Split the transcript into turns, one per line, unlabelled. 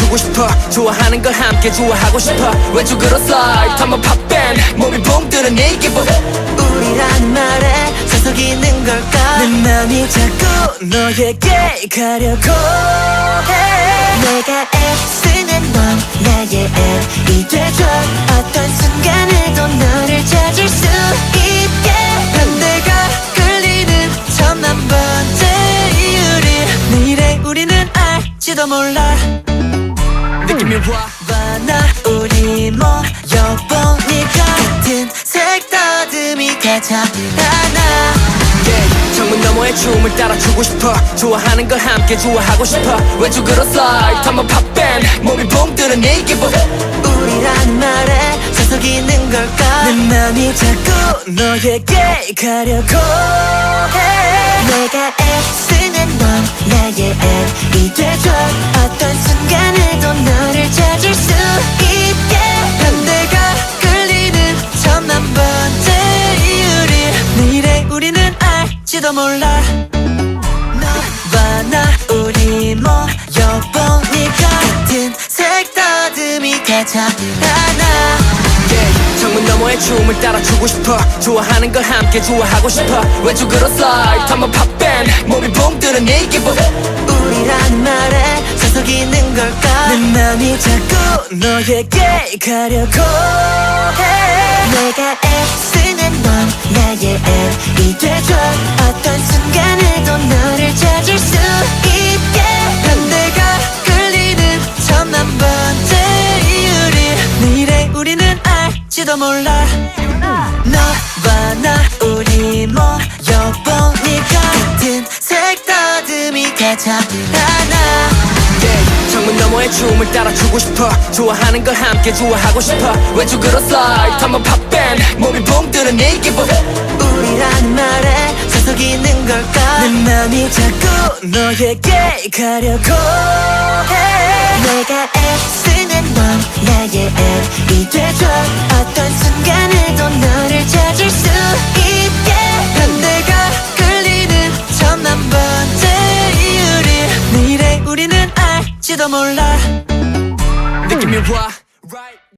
따라주고 싶어. 좋아하는 걸 함께 좋아하고 싶어. 왼쪽으로 슬라이드 한번 팝밴 몸이 붕 뜨는 이 기분.
우리라는 말에 서서 있는 걸까.
내 맘이 자꾸 너에게 가려고 해.
내가 애쓰는 넌 나의 M이 돼줘. 어떤 순간에도 너를 찾을 수 있게.
반대가
끌리는 천만 번째 이유를 내일의 우리는 알지도 몰라.
느낌이 와
나 우리 모여보니까 같은 색다듬이 가장 하나.
창문 너머의 춤을 따라주고 싶어. 좋아하는 걸 함께 좋아하고 싶어. 왼쪽으로 슬라이드 한번 팝밴 몸이 붕 뜨는 이 기분.
우리라는 말에 서서 있는 걸까.
내 맘이 자꾸 너에게 가려고 해.
내가 애쓰는 넌 나의 M이 돼줘. 어떤 순간에도 너를 찾을 수 있게.
반대가
끌리는 천만 번째 이유를 내일의 우리는 알지도 몰라. 너와 나 우리 모여보니까 같은 색다듬이 가장 하나.
창문 너머의 춤을 따라주고 싶어. 좋아하는 걸 함께 좋아하고 싶어. 왼쪽으로 슬라이드 한번 팝밴 몸이 붕 뜨는 이 기분.
우리라는 말에 서서 있는 걸까.
내 맘이 자꾸 너에게 가려고 해.
내가 애쓰는 넌 나의 M이 돼줘. 어떤 순간에도 너를 찾을 수 있게.
반대가
끌리는 천만 번째 이유를 내일의 우리는 알지도 몰라. 너와 나 우리 모여보니까 같은 색다듬이 가장 하나.
창문 너머의 춤을 따라주고 싶어. 좋아하는 걸 함께 좋아하고 싶어. 왼쪽으로 슬라이드 한번 팝밴 몸이 붕 뜨는 이 기분.
우리라는 말에 서서 있는 걸까.
내 맘이 자꾸 너에게 가려고 해.
내가 애쓰는 넌 나의 M이 돼줘. 어떤 순간에도 너를 찾을 수 있게.
반대가
끌리는 천만 번째 이유를 내일의 우리는 알지도 몰라.
느낌이 와 right.